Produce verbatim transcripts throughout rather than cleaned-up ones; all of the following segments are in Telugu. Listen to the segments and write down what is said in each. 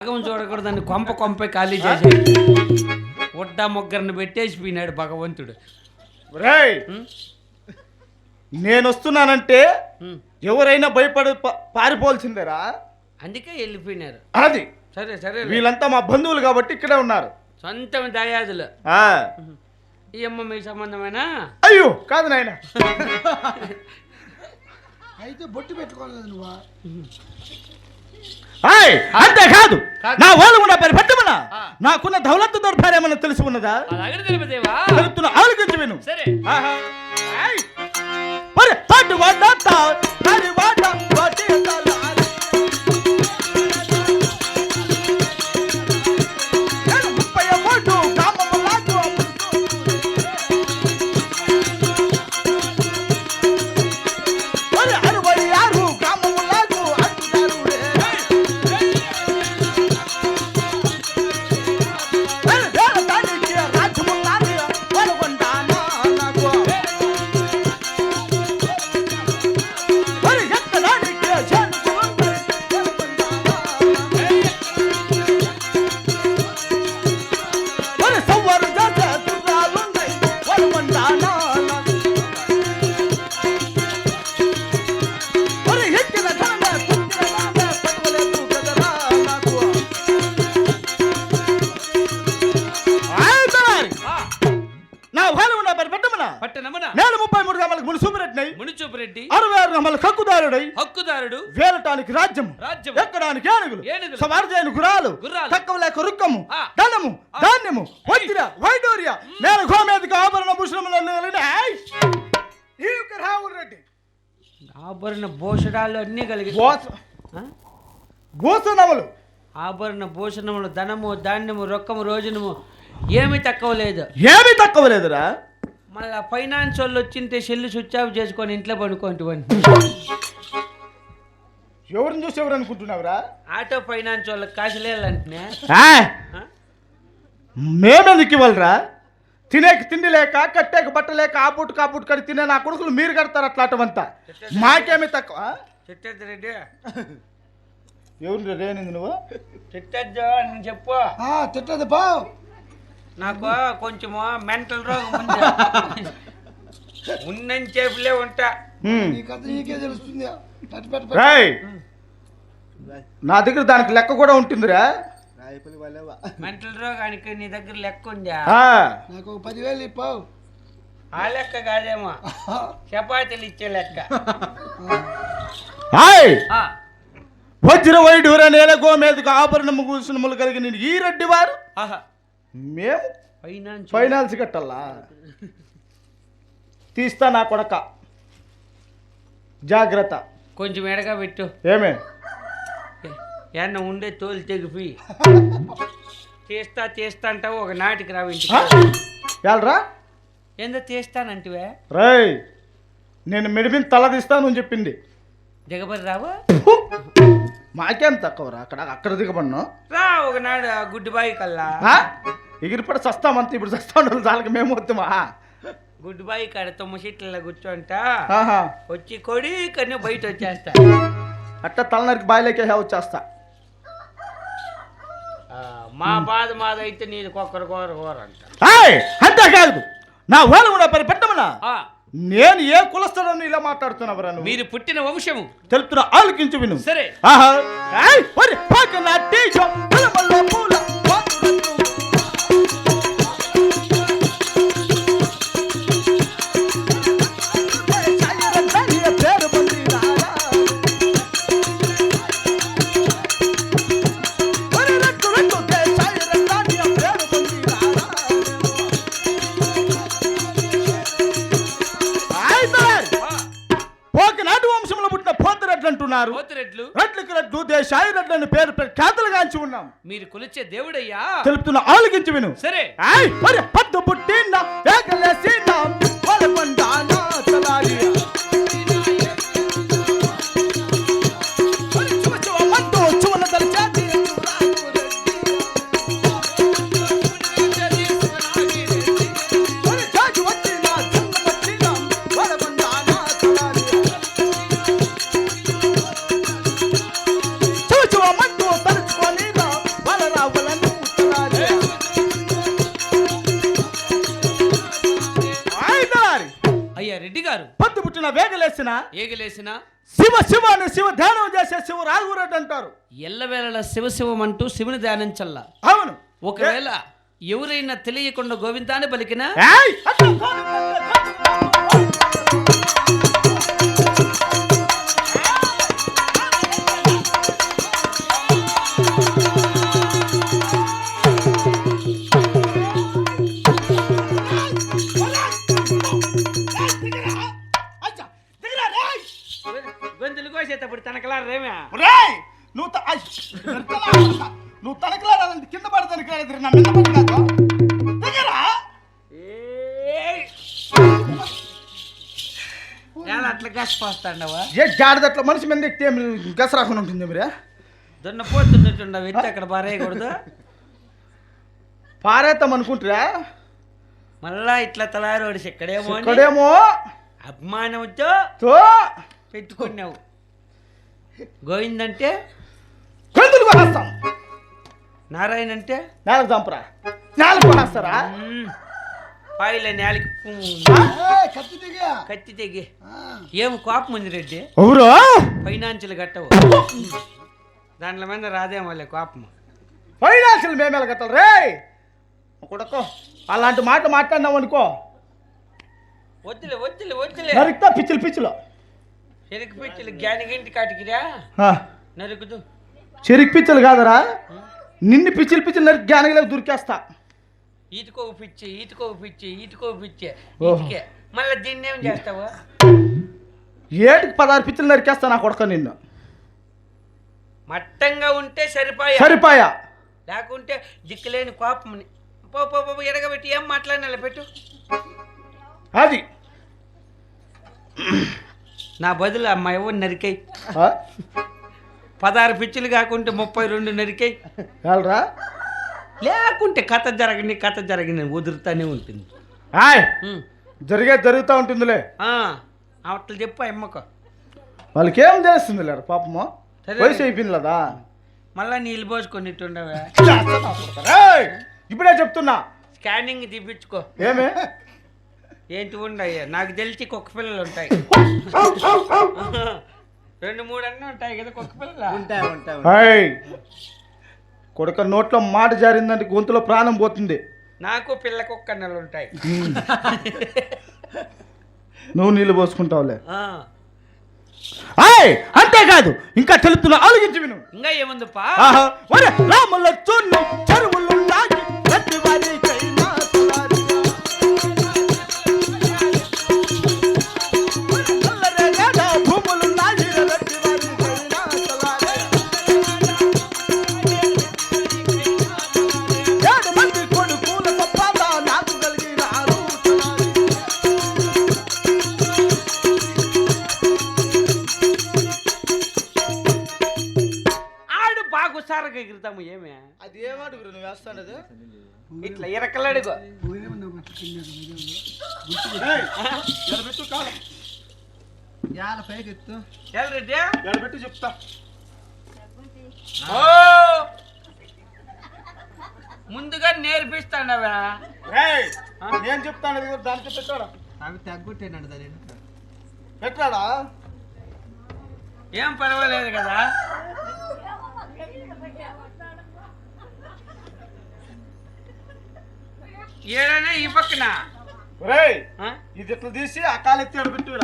భాగం చూడకూడదని కొంప కొంపే ఖాళీ చేసి ఉడ్డ ముగ్గురిని పెట్టేసి పోయినాడు భగవంతుడు. రేయ్ నేను వస్తున్నానంటే ఎవరైనా భయపడి పారిపోవాల్సిందేరా, అందుకే వెళ్ళిపోయినారు. అది సరే సరే, వీళ్ళంతా మా బంధువులు కాబట్టి ఇక్కడే ఉన్నారు. సొంతం దయాదులు. ఆ ఈ అమ్మ మీ సంబంధమేనా? అయ్యో కాదు నాయన. అయితే బొట్టు పెట్టుకోలేదు నువ్వా? అంతేకాదు నా వాళ్ళు కూడా పరిపెట్టమన్నా నాకున్న దౌలత్తు దొరపారేమన్నా తెలిసి ఉన్నదా? తెలుపుతున్న ఆలోచించి విను. సరే హక్కుదారుడు వేలటానికి రాజ్యం, రాజ్యం ఎక్కడానికి ఏనుగులు, ఏనుగులు, సవార్జైన గురాలు, తక్కువ లేక రుక్కము, ధనము, ధాన్యము, వైద్య వైడూర్య, నేను గోమేదిక ఆభరణ భూషణములను రెడ్డి ఆభరణ భూషణాలు అన్నీ కలిగి భూషణములు ఆభరణ భూషణములు, ధనము, ధాన్యము, రొక్కము, రోజునము ఏమీ తక్కువ లేదు. ఏమీ తక్కువ లేదురా. మళ్ళా ఫైనాన్స్ వాళ్ళు వచ్చింటే సెల్లు స్విచ్ ఆఫ్ చేసుకొని ఇంట్లో పడుకోండి. ఎవరిని చూసి ఎవరు అనుకుంటున్నావురా? ఆటో ఫైనాన్స్ వాళ్ళకి కాసులేదంటే మేమెందుకు ఇవ్వాలరా? తినేకి తిండి లేక, కట్టేకి బట్ట లేక, ఆ పూట కాపుట్ కడి తినే నా కొడుకులు మీరు కడతారు అట్లాంటివంతా. మాకేమీ తక్కువ. చెట్టద్దు రెడ్డి, ఎవరు రేనింది నువ్వు? చెట్టద్దు నేను చెప్పు. తిట్టదు బా, నాకు కొంచెము మెంటల్ రోగం ఉంది. ఉన్నని చేపులే ఉంటా. నీకే తెలుస్తుంది. నా దగ్గర దానికి లెక్క కూడా ఉంటుందిరా. మెంటల్ రోగానికి నీ దగ్గర లెక్క ఉందా? నాకు పదివేలు ఇప్పావు. ఆ లెక్క కాదేమో, చపాతీలు ఇచ్చే లెక్క. వజ్ర వైడూర నేల గోమేదకు ఆభరణము భూషణములు కలిగిన ఈ రెడ్డి వారు మేము ఫైనాన్స్ ఫైనాన్స్ కట్టాలా? తీస్తా నా కొడక, జాగ్రత్త. కొంచెం ఎడగా పెట్టు. ఏమే ఏమన్నా ఉండే తోలు తెగిపి తీస్తా తీస్తా అంటావు, ఒక నాటికి రావు ఇంటికి. వెళ్ళరా? ఏందో తీస్తానంటివే? రై నేను మెడిపిన తల తీస్తాను చెప్పింది. దిగబడి రావు? మాకేం తక్కువరా? అక్కడ అక్కడ దిగబడినా రా ఒకనాడు గుడ్డి బాయి కల్లా ఎగిరిపడి చస్తామంత. ఇప్పుడు చస్తా ఉండాలి చాలకి మేము వద్దామా? గుడ్డి బాయి కాడ తొమ్మ సీట్లలో కూర్చోంట ఆహా వచ్చి కొడి కన్నీ బయట వచ్చేస్తా. అట్ట తలనరికి బాయిలోకి వచ్చేస్తా. మా బాధ మాద అయితే నీది కొక్కరు కూర కూర అంట. అంతేకాదు నా వాళ్ళు కూడా పరి పెట్టమన్నా నేను ఏ కులస్థలను ఇలా మాట్లాడుతున్నావురా? మీరు పుట్టిన వంశము తెలుపుతున్న ఆలోకించు విను. సరే రెడ్లను పేరు ఖ్యాతలుగాంచి ఉన్నాం. మీరు కొలిచే దేవుడయ్యా తెలుపుతున్న ఆలోకించి విను. సరే పద్దు పుట్టిన నవ్వలను ముచ్చలాడే. ఆయదారి అయ్యా రెడ్డి గారు, పొద్దు పుట్టిన వేగలేసిన ఏగలేసిన శివ శివ అని శివ ధ్యానం చేసే శివ రాఘురెడ్డి అంటారు. ఎల్లవేళ శివ శివమంటూ శివుని ధ్యానించల్లా. అవును. ఒకవేళ ఎవరైనా తెలియకుండా గోవిందాన్ని పలికినా ఏయ్! అట్లా గొంతులు కోసేటప్పుడు తనకలారేమే. ఒరేయ్! నువ్వు త- ఐ! వెనకలా- నువ్వు తనకలాడాలంటే కింద పడి తనకలాడదు నా మీద పడి కాదు. దగ్గరా ఎలా అట్లా గసిపోస్తాండవా? ఏ జాడదట్ల మనిషి మీద ఎక్కితే గస రాకుండా ఉంటుంది మీరే. దున్నపోతున్నట్టుండవు ఎత్తి అక్కడ పారేయకూడదు. పారేద్దాం అనుకుంటారా? మళ్ళా ఇట్లా తలారోడి ఎక్కడేమో అని ఇక్కడేమో అభిమానంతో తో పెట్టుకున్నావు. గోవిందంటే గొంతులు కొనేస్తాం. నారాయణ అంటే నేలకు చంపరా? నేలకు కొనేస్తారా? పాయిల నేలకి ఏయ్, కత్తి దిగా కత్తి తెగి ఏం కోపం ఉంది రెడ్డి. ఎవరు? ఫైనాన్షియల్ కట్టవు దాంట్లో మీద రాదేమోలే కోపం. ఫైనాన్షియల్ మేమేలా కట్టాలి రే కొడకో. అలాంటి మాట మాట్లాడినావు అనుకో వద్దులే వద్దులే వద్దులే నరికితే పిచ్చిలు పిచ్చిలు. చెరుకు పిచ్చిలు గ్యానిగింటి కాటికిరా నరుకుదు. చెరికి పిచ్చిలు కాదరా, నిన్ను పిచ్చిలు పిచ్చిలు నరికి జ్ఞానగిలకు దూరికేస్తా. ఈటుకో పిచ్చి ఈటుకో పిచ్చి ఈటుకో పిచ్చి ఓహో. ఈటికే మళ్ళీ దీన్ని ఏం చేస్తావు? ఏటికి పదహారు పిచ్చిలు నరికేస్తా నా కొడక నిన్ను. మట్టంగా ఉంటే సరిపోయా, సరిపాయా. లేకుంటే దిక్కులేని కోపం పో పో పో ఎడగబెట్టి ఏం మాట్లాడినా పెట్టు. అది నా బదులు అమ్మ ఎవరు నరికాయి ఆ? పదహారు పిచ్చులు కాకుంటే ముప్పై రెండు నరికాయి. వెళ్ళరా లేకుంటే కథ జరగని కథ జరగని వదులుతానే ఉంటుంది. ఆయ్ ఉమ్. జరిగేది జరుగుతూ ఉంటుందిలే. ఆ, అట్లా చెప్పు అమ్మకు. వాళ్ళకి ఏం చేస్తుంది లేరు పాపము, సరే. వయసు అయిపోయింది కదా. మళ్ళా నీళ్ళు పోసుకొనిట్టుండవే. ఏయ్! ఇప్పుడే చెప్తున్నా. స్కానింగ్ తీపించుకో. ఏమే ఏంటి ఉండయ్యా నాకు తెలిసి కుక్క పిల్లలు ఉంటాయి. రెండు మూడు అన్నీ ఉంటాయి కదా కుక్క పిల్లలు. ఉంటాయి ఉంటాయి హాయ్ కొడుక నోట్లో మాట జారిందంటే గొంతులో ప్రాణం పోతుంది. నాకు పిల్ల కుక్క అన్నలు ఉంటాయి. నువ్వు నీళ్ళు పోసుకుంటావులే. ఆ, హాయ్ అంతేకాదు ఇంకా తెలుపుతున్నా ఆలోచించి విను. ఇంకా ఏముందిపా? ఆహా, ఒరే రాముల చున్ను చెరువులున్నాయి ప్రతి వారికైనా తులారిగా. నల్లరేగడ భూములున్నాయి ప్రతి వారికైనా తులారిగా. ఏడు మంది కొడుకుల సంపాద నాకు కలిగినారు తులారిగా. ఆడు బాగా హుషారుగా ఎగురుతాము ఏమే. అది ఏమడుగురు నువ్వు వేస్తానది? ఇట్లా ఇరకలాడుకో. ఎడబెట్టు కాలం పైకి ఎత్తు రెడ్డి ఎడబెట్టు చెప్తా. ఓ ముందుగా నేర్పిస్తాడవా? రేయ్, నేను చెప్తాను అది కూడా దానికి పెట్టాడా అవి తగ్గుట్టేనండి దాని పెట్టాడా? ఏం పర్వాలేదు కదా. ఏడనే ఈ పక్కన రేయ్ ఆ? ఇది ఇట్లా తీసి ఆ కాలు ఎత్తి ఎడబెట్టురా.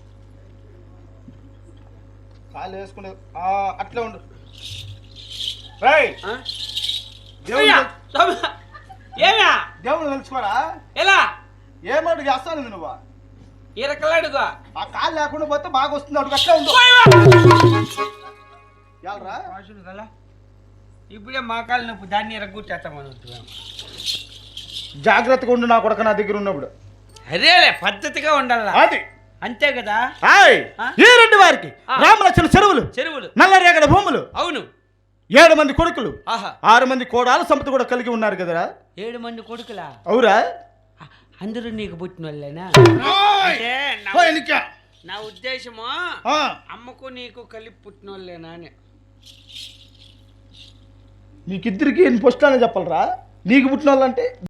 కాలు వేసుకునే ఆ, అట్లే ఉండు. రేయ్ ఆ? దేవుడు అయ్యా, స్వామి. ఏమా దేవుడు తెలుసుకోరా. ఎలా ఏమడుగు చేస్తాను నువ్వు? ఇరకలాడుకో. ఆ కాలు లేకుండా పోతే బాగా వస్తుంది. అడుగు అట్లే ఉండు. ఎల్రా వాసులు కదా ఇప్పుడే మా కాలు నొప్పి దాన్ని ఇరగొట్టేస్తామని. జాగ్రత్తగా ఉండు నా కొడుకు నా దగ్గర ఉన్నప్పుడు. అదేలే పద్ధతిగా ఉండాలా. అది అంతే కదా. హాయ్ ఆ? ఈ రెండు వారికి ఆ. రామలక్ష్మణ చెరువులు, చెరువులు. నల్లరేగడ భూములు, అవును. ఏడు మంది కొడుకులు, ఆహా ఆరు మంది కోడాలు సంపద కూడా కలిగి ఉన్నారు కదరా. ఏడు మంది కొడుకులా? అవురా? అందరూ నీకు పుట్టిన వాళ్ళేనా? ఓయ్! అంటే నా- ఓయ్ నిక్క. నా ఉద్దేశము ఆ, అమ్మకు నీకు కలిపి పుట్టిన వాళ్ళేనా అని. మీకిద్దరికి ఫస్ట్ అనే చెప్పాలరా నీకు పుట్టిన వాళ్ళంటే